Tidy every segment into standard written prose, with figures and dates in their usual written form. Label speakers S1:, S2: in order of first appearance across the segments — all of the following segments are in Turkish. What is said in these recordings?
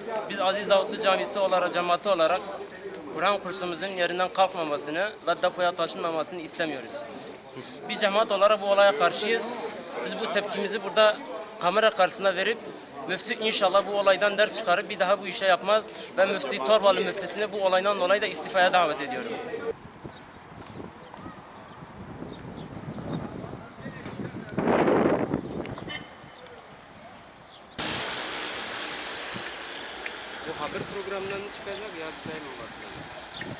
S1: Biz Aziz Davutlu Camisi olarak, cemaati olarak Kur'an kursumuzun yerinden kalkmamasını ve depoya taşınmamasını istemiyoruz. Bir cemaat olarak bu olaya karşıyız. Biz bu tepkimizi burada kamera karşısında verip müftü inşallah bu olaydan ders çıkarıp bir daha bu işe yapmaz ve müftü Torbalı müftüsünü bu olaydan dolayı da istifaya davet ediyorum. Bu haber programlarını çıkacak ya sayın olması lazım.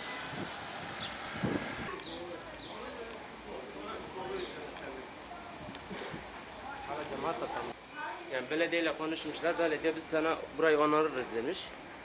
S1: Sana cemaat da tamam. Yani belediyeyle konuşmuşlar, belediye biz sana burayı onarırız demiş.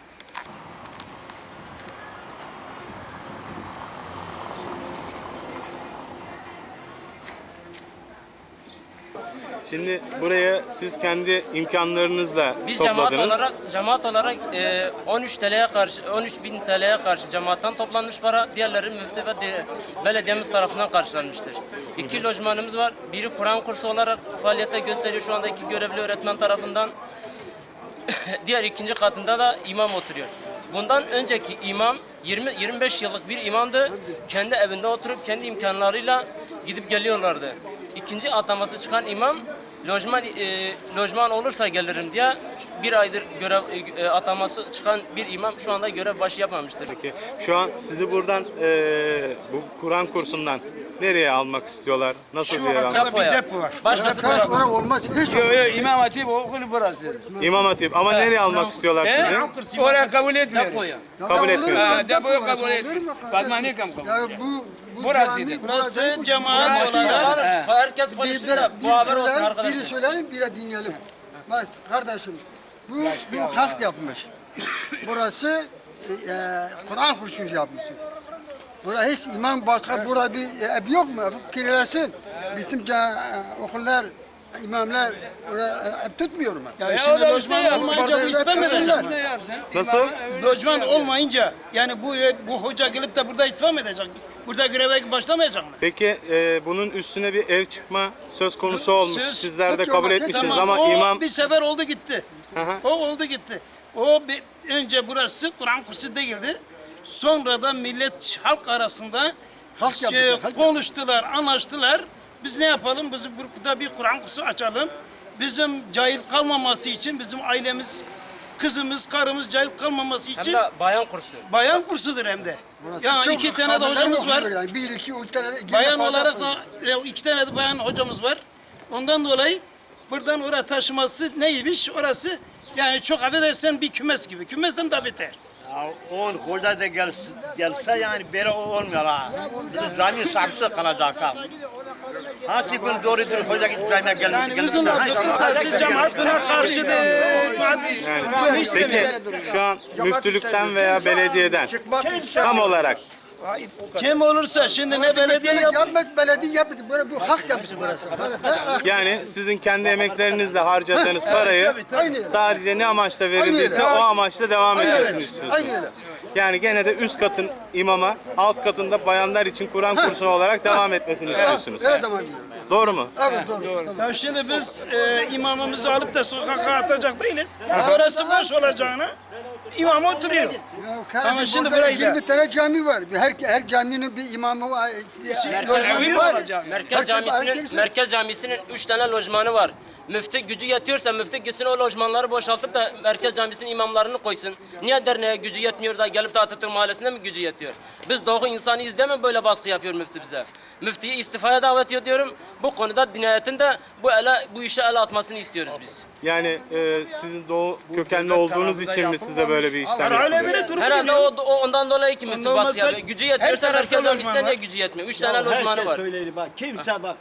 S2: Şimdi buraya siz kendi imkanlarınızla
S1: Biz
S2: topladınız.
S1: cemaat olarak 13 TL'ye karşı 13.000 TL'ye karşı cemaatten toplanmış para, diğerleri müftü ve belediyemiz tarafından karşılanmıştır. 2 lojmanımız var. Biri Kur'an kursu olarak faaliyete gösteriyor şu anda 2 görevli öğretmen tarafından. Diğer ikinci katında da imam oturuyor. Bundan önceki imam 20-25 yıllık bir imamdı. Kendi evinde oturup kendi imkanlarıyla gidip geliyorlardı. İkinci ataması çıkan imam lojman olursa gelirim diye bir aydır görev ataması çıkan bir imam şu anda görev başı yapmamıştır.
S2: Peki, şu an sizi buradan bu Kur'an kursundan nereye almak istiyorlar? Nasıl bir yer almak?
S1: Depoya.
S3: depo var.
S1: Başkası
S4: Kaç
S1: tarafı.
S4: para olmaz. Hiç
S3: Yok İmam Hatip okulu burası.
S2: İmam Hatip. Ama nereye almak istiyorlar sizi?
S3: Oraya kabul etmiyoruz.
S1: Depoya.
S2: Kabul etmiyoruz.
S3: Depoyu kabul etmiyoruz. Fatmani kabul
S4: Ya
S3: etmiyor.
S4: bu
S3: Burasıydı.
S1: Burası cemaat olarak herkes konuşsun da bu haber olsun
S4: biri
S1: arkadaşlar.
S4: söyleyin, biri dinleyelim. Bak kardeşim, bu halk yapmış. Burası Kur'an kursu yapmışsın. Burada hiç imam başka burada bir ev yok mu? Kirlersin. Bütün okullar, imamlar ev tutmuyor mu?
S3: Ya şimdi lojman olmayınca bu istifam edecek.
S4: Tuttular.
S3: Ne yapsın?
S2: Nasıl?
S3: Lojman olmayınca yani bu hoca gelip de burada istifam edecek. Burada greve başlamayacak mı?
S2: Peki bunun üstüne bir ev çıkma söz konusu olmuş.
S3: Söz-
S2: Sizler de
S4: Yok,
S2: kabul
S4: yok,
S2: etmişsiniz
S3: Tamam,
S2: ama
S3: o
S2: imam...
S3: bir sefer oldu gitti.
S2: Hı hı.
S3: O oldu gitti. O önce burası Kur'an kursu değildi. Sonra da millet halk arasında
S4: Halk yapacak, halk
S3: konuştular, anlaştılar. Biz ne yapalım? Biz burada bir Kur'an kursu açalım. Bizim cahil kalmaması için, bizim ailemiz, kızımız, karımız cahil kalmaması
S1: Hem
S3: için
S1: de bayan kursu.
S3: bayan kursudur hem de. Yani
S4: Çok
S3: 2 tane de
S4: haberler
S3: hocamız var.
S4: okuyor yani. Bir, iki, üç tane de
S3: Bayan
S4: fazla
S3: olarak
S4: okuyor.
S3: da 2 tane de bayan hocamız var. Ondan dolayı buradan oraya taşıması neymiş? Orası yani çok affedersen bir kümes gibi. Kümesten de beter.
S5: Ya on hoca da gelse yani böyle olmuyor ha. Bizim zamin saksı kalacak ha. Hangi gün doğrudur hoca İbrahim'e
S3: Yani
S5: gelirse.
S3: uzun lafı kısası cemaat buna karşıdır. Bunu
S2: Peki
S3: istemiyor.
S2: şu an müftülükten veya belediyeden tam olarak
S3: Kim olursa şimdi ne belediye yap.
S4: Yapmadı, belediye yapmadı. Bu halk yapmış burası.
S2: yani sizin kendi emeklerinizle harcadığınız parayı
S4: Aynen.
S2: sadece ne amaçla
S4: Aynen
S2: verildiyse
S4: öyle.
S2: o amaçla devam
S4: Aynen
S2: etmesini
S4: öyle.
S2: istiyorsunuz.
S4: Aynen öyle.
S2: Yani gene de üst katın imama, alt katında bayanlar için Kur'an kursu olarak devam etmesini istiyorsunuz.
S4: Öyle devam ediyor.
S2: Doğru mu?
S4: Evet doğru.
S3: Ya şimdi biz imamımızı alıp da sokağa atacak değiliz. Orası boş olacağına imam oturuyor.
S4: Ya
S3: Ama
S4: kardeşim
S3: şimdi
S4: burada
S3: burayı da-
S4: 20 tane cami var. Her caminin bir imamı var. lojmanı
S3: evi
S4: var.
S3: olacak.
S1: Merkez Camisi'nin 3 tane lojmanı var. Müftü gücü yetiyorsa müftü gitsin o lojmanları boşaltıp da Merkez Camisi'nin imamlarını koysun. Niye derneğe gücü yetmiyor da gelip de Atatürk Mahallesi'nde mi gücü yetiyor? Biz doğu insanıyız değil mi böyle baskı yapıyor müftü bize? Müftüyü istifaya davet ediyorum. Bu konuda dinayetin de bu işe el atmasını istiyoruz biz.
S2: Yani sizin doğu kökenli olduğunuz için mi size böyle bir işlem
S3: Hala
S2: yapılıyor?
S3: biri durup
S1: Herhalde
S3: geliyor.
S1: o ondan dolayı ki müftü
S3: Ondan
S1: baskı
S3: olmasa
S1: yapıyor. Gücü yetiyorsa
S3: her tarafta
S1: Merkez Camisi'nde
S3: lojman
S1: niye
S3: var.
S1: gücü yetmiyor? 3 tane lojmanı var.
S5: Söyleyeli bak kimse bak.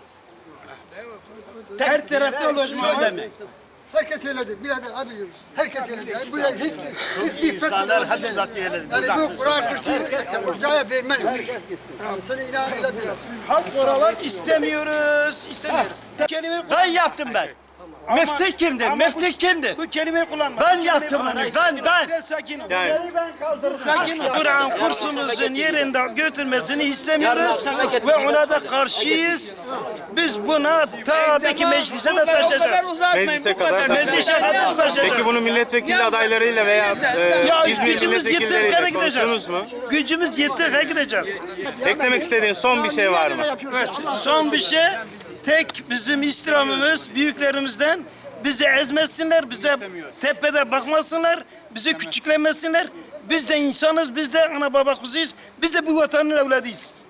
S3: Her tarafta lojman var.
S4: Herkes söyledi. Birader abi diyoruz. Herkes söyledi. Yani buraya hiçbir fark
S5: İnsanlar
S4: olmaz.
S5: hadi zaten yerleri
S4: Yani bu Kur'an kursu hocaya vermem. Seni inan öyle bir.
S3: Halk oralar istemiyoruz. İstemiyoruz. Kelime
S5: Ben yaptım ben.
S6: Müftü kimdir?
S3: Ama
S6: Müftü kimdir?
S3: Bu kelimeyi kullanma.
S6: Ben
S3: Bu
S6: yaptım
S3: kelimeyi
S6: onu.
S3: kullanma.
S6: Ben.
S3: Biraz sakin ol.
S2: Yani
S3: Sakin ol. Kur'an kursumuzun yerinde götürmesini istemiyoruz ve ona da karşıyız. Biz buna tabii ki meclise de taşıyacağız.
S2: meclise kadar
S3: Meclise kadar taşıyacağız.
S2: Peki bunu milletvekili adaylarıyla veya
S3: Ya
S2: İzmir
S3: gücümüz yettiği kadar
S2: milletvekilleriyle
S3: gideceğiz.
S2: konuştunuz mu?
S3: Gücümüz yettiği kadar gideceğiz.
S2: Eklemek istediğin son bir şey var mı?
S3: Evet, son bir şey, tek bizim istirhamımız büyüklerimizden bizi ezmesinler, bize tepede bakmasınlar, bizi küçüklemesinler. Biz de insanız, biz de ana baba kuzuyuz, biz de bu vatanın evladıyız.